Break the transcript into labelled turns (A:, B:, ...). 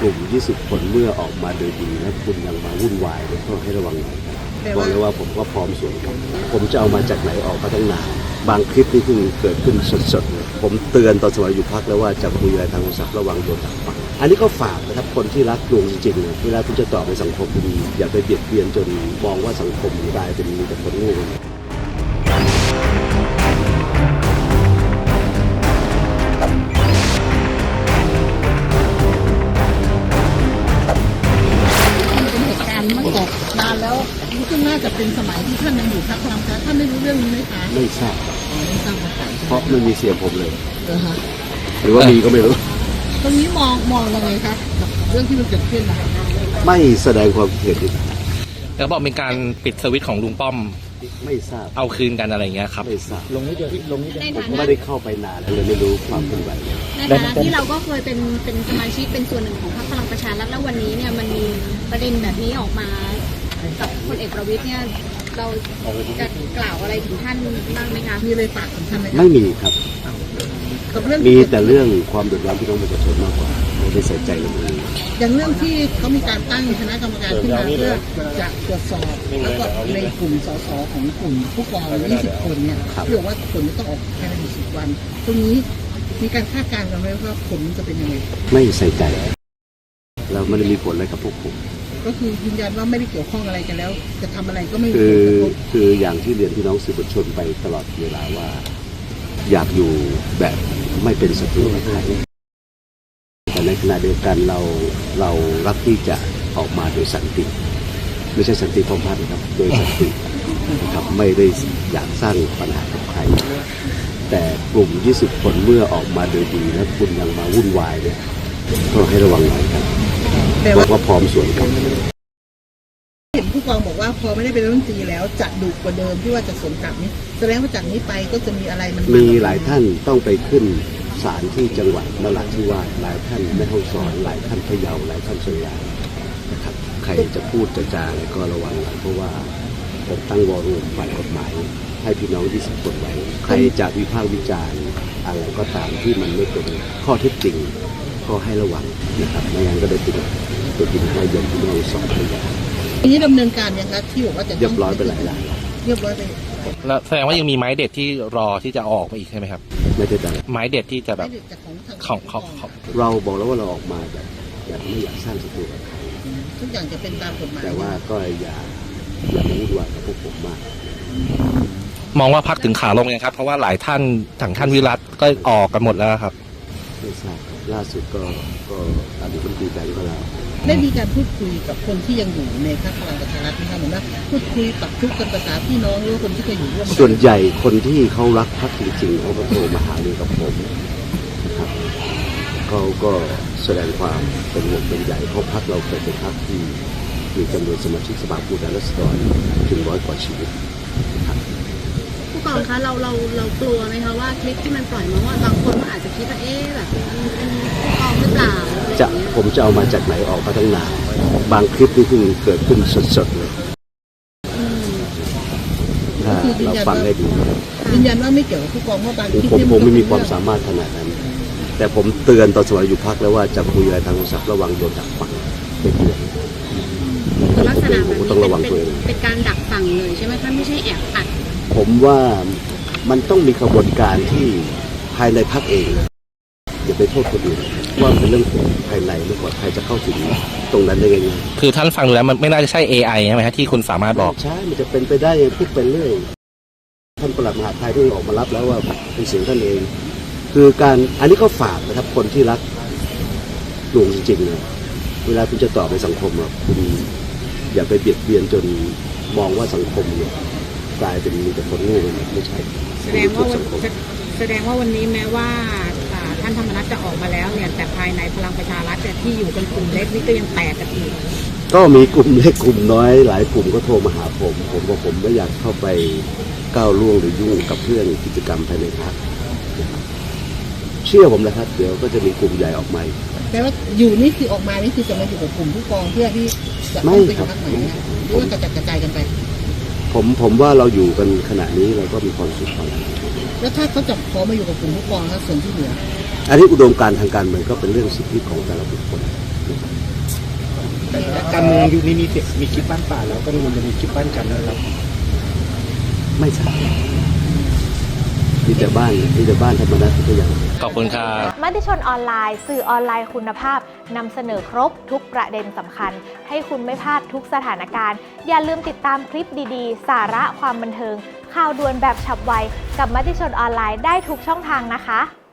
A: ลุ่ม20 คนเมื่อออกมาโดยดีและคุณยังมาวุ่นวายก็ให้ระวังหน่อยครับบอกเลยว่าผมก็พร้อมสวนครับผมจะเอามาจากไหนออกก็ต้องนานบางคลิปนี่เพิ่งเกิดขึ้นสดๆเลยผมเตือนตอนสมัยอยู่พักแล้วว่าจะคุยอะไรทางโทรศัพท์ระวังโดนดักฟังอันนี้ก็ฝากนะครับคนที่รักลุงจริงๆเวลาคุณจะตอบในสังคมดีอย่าไปเบียดเบียนจนมองว่าสังคมกลายเป็นมีแต่คนโง่
B: มันตกนานแล้วซึ่งน่าจะเป็นสมัยที่ท่านยังอยู่พรรคพลังประชารัฐท่านได้รู้เรื่องนี้ไหมคะ
A: ไม่ทราบ
B: ไม่ทราบมาก่อน
A: เพราะไม่มีเสียงผมเลยหรือว่ามีก็ไม่รู้
B: ตรงนี้มองยังไงครับกับเรื่องที่มันเกิดขึ้นนะคะ
A: ไม่แสดงความคิดเห็น
C: แล้วบอกเป็นการปิดสวิตช์ของลุงป้อม
A: ไม่ทราบ
C: เอาคืนกันอะไรเงี้ยครับ
A: ไม่ทราบ
D: ลงนี้เดียวลงนี้
A: ผมไม่ได้เข้าไปนานเลยไม่รู้ความเคลื่อนไหว
E: ในฐานะที่เราก็เคยเป็นสมาชิกเป็นส่วนหนึ่งของพรรคพลังประชารัฐแล้ววันนี้เนี่ยมันมีประเด็นแบบนี้ออกมากับพลเอกประวิตรเนี่ยเราจะกล่าวอะไรถึงท่านบ้างไหมคะ
B: มีอะไรฝากถึงท่านไหม
A: ไม่มีครับมีแต่เรื่องความเดือดร้อนที่ต้องประชาชนมากกว่าไม่ได้ใส่ใจเรื่องนี้
B: อย่างเรื่องที่เขามีการตั้งคณะกรรมการขึ้นมาเพื่อจะตรวจสอบแล้วก็ในกลุ่มสสของกลุ่มผู้กอง20 คนเนี่ยเพื่อว่าผลจะต้องออกภายใน10 วันตรงนี้มีการคาดการณ์กันไหมว่าผลจะเป็นยังไง
A: ไม่ใส่ใจเราไม่ได้มีผลอะไรกับพวกผม
B: ก็คือยืนยันว่าไม่ได้เกี่ยวข้องอะไรกันแล้วจะทำอะไรก็ไม่มี
A: คืออย่างที่เรียนพี่น้องสื่อมวลชนไปตลอดเวลาว่าอยากอยู่แบบไม่เป็นศัตรูกับใครแต่ในขณะเดียวกันเรารักที่จะออกมาโดยสันติไม่ใช่สันติพร้อมพันครับโดยสันตินะครับไม่ได้อยากสร้างปัญหากับใครแต่กลุ่ม20 คนเมื่อออกมาโดยดีและคุณยังมาวุ่นวายเนี่ยก็ให้ระวังหน่อยครับบอกว่าพร้อมสวนกับ
B: เห็นผู้กองบอกว่าพอไม่ได้เป็นรัฐมนตรีแล้วจะดุกว่าเดิมที่ว่าจะสวนกลับนี้แสดงว่าจากนี้ไปก็จะมีอะไรมัน
A: มีหลายท่านต้องไปขึ้นศาลที่จังหวัดนราธิวาสหลายท่านแม่ฮ่องสอนหลายท่านพะเยาหลายท่านเชียงรายนะครับใครจะพูดจะจาอะไรก็ระวังหน่อยเพราะว่าผมตั้งวอรุ่มฝ่ายกฎหมายให้พี่น้อง20 คนไว้ใครจะวิพากษ์วิจารณ์อะไรก็ตามที่มันไม่เป็นข้อเท็จจริงก็ให้ระวังนะครับไม่งั้นก็ได้ติดตัวกินข้าวยนที่เราสอนพยา
B: ทีนี้ดำเนินการยังครับที่บอกว่าจะ
A: เรียบร้อยไปหลาย
B: เรียบร้อยไป
C: แล้วแสดงว่ายังมีไม้เด็ดที่รอที่จะออกมาอีกใช่ไหมครับ
A: ไม่ได้แต่
C: ไม้เด็ดที่จะแบบของ
A: เราบอกแล้วว่าเราออกมาแบบไม่อยากสร้างศัตรูกับใคร
B: ทุกอย่างจะเป็นตามกฎหมาย
A: แต่ว่าก็อย่ามาวุ่นวายกับพวกผมมาก
C: มองว่าพักถึงขาลงยังครับเพราะว่าหลายท่านถังท่านวิรัตก็ออกกันหมดแล้วครับ
A: ไม่ทราบล่าสุดก็ตามที่คุณคุยกันก็แล้ว
B: ได้มีการพูดคุยกับคนที่ยังอยู่ในพรรคพลังประชารัฐที่ท่านบอกว่าพูดคุยปรับทุกข์กันภาษาพี่น้องหรือคนที่เคยอยู่ร่วม
A: ส่วนใหญ่คนที่เขารักพรรคจริงๆเขาก็โทรมาหาเรื่องกับผมนะครับเขาก็แสดงความเป็นห่วงเป็นใหญ่เพราะพรรคเราเป็นพรรคที่มีจำนวนสมาชิกสภาผู้แทนราษฎรถึง100 กว่าชีวิตนะครับ
E: ผู้กองคะเรากลัวไหมคะว่าคลิปที่มันปล่อยมาว่าบางคนก็อาจจะคิดว่าแบบเป็นผู้กองหรือเปล่า
A: ผมจะเอามาจากไหนออกก็ต้องนานบางคลิปนี่เพิ่งเกิดขึ้นสดๆเลยถ้าเราฟังให้ดี
B: ยืนยันว่าไม่เกี่ยวกับผู้กองเพราะบางคลิป
A: ผมไม่มีความสามารถขนาดนั้นแต่ผมเตือนตอนสมัยอยู่พักแล้วว่าจะคุยอะไรทางโทรศัพท์ระวังโดนดักฟังไม่เกี่ยว
E: ลักษณะแบบนี้ต้องระวังตัวเองเป็นการดักฟังเลยใช่ไหมคะไม่ใช่แอบอัด
A: ผมว่ามันต้องมีกระบวนการที่ภายในพรรคเองอย่าไปโทษคนอื่นว่าเป็นเรื่องภายในหรือว่าใครจะเข้าถึงตรงนั้นได้ยังไง
C: คือท่านฟังดูแล้วมันไม่น่าจะใช่ AI ใช่ไหมฮะที่คุณสามารถบอก
A: ใช่มันจะเป็นไปได้พูดไปเรื่อยท่านปลัดมหาดไทยที่ออกมารับแล้วว่าเป็นเสียงท่านเองคือการอันนี้ก็ฝากนะครับคนที่รักลุงจริงๆนะเวลาคุณจะตอบในสังคมคุณอย่าไปเบียดเบียนจนมองว่าสังคมเนี่ยกลายเป็นมีแต่คนโง่ไม่ใช่
F: แสดงว่าวันนี้แม้ว่าท่านธรรมนัสจะออกมาแล้วเนี่ยแต่ภายในพลังประชารัฐที่อยู่เป็นกลุ่มเล็กนี่ก็ยังแตกกันอีก
A: ก็มีกลุ่มเล็กกลุ่มน้อยหลายกลุ่มก็โทรมาหาผมบอกผมไม่อยากเข้าไปก้าวล่วงหรือยุ่งกับเพื่อนกิจกรรมภายในพรรคเชื่อผมนะครับเดี๋ยวก็จะมีกลุ่มใหญ่ออกมา
B: แปลว่าอยู่นี่คือออกมานี่คือจะมาอยู่กับกลุ่มผู้กองเพื่อที่จะต้องไปพรรคไหนหรือว่ากระจายกันไป
A: ผมว่าเราอยู่กันขณะนี้เราก็มีความสุขกัน
B: แล้วถ้าเขาจะขอมาอยู่กับกลุ่มผู้กองแล้วส่วนที่เหลือ
A: อันนี้อุดมการณ์ทางการเมืองก็เป็นเรื่องสิทธิของแต่ละบุคคล
D: การเมืองยุคนี้มีคิดบ้านป่าแล้วก็มันจะมีคิดบ้านกันนะครับ
A: ไม่ใช่มีแต่บ้านธรรมดาทุกอย่าง
C: ขอบคุณครับ
G: มติชนออนไลน์สื่อออนไลน์คุณภาพนำเสนอครบทุกประเด็นสำคัญ ให้คุณไม่พลาดทุกสถานการณ์อย่าลืมติดตามคลิปดีๆ สาระความบันเทิงข่าวด่วนแบบฉับไวกับมติชนออนไลน์ได้ทุกช่องทางนะคะ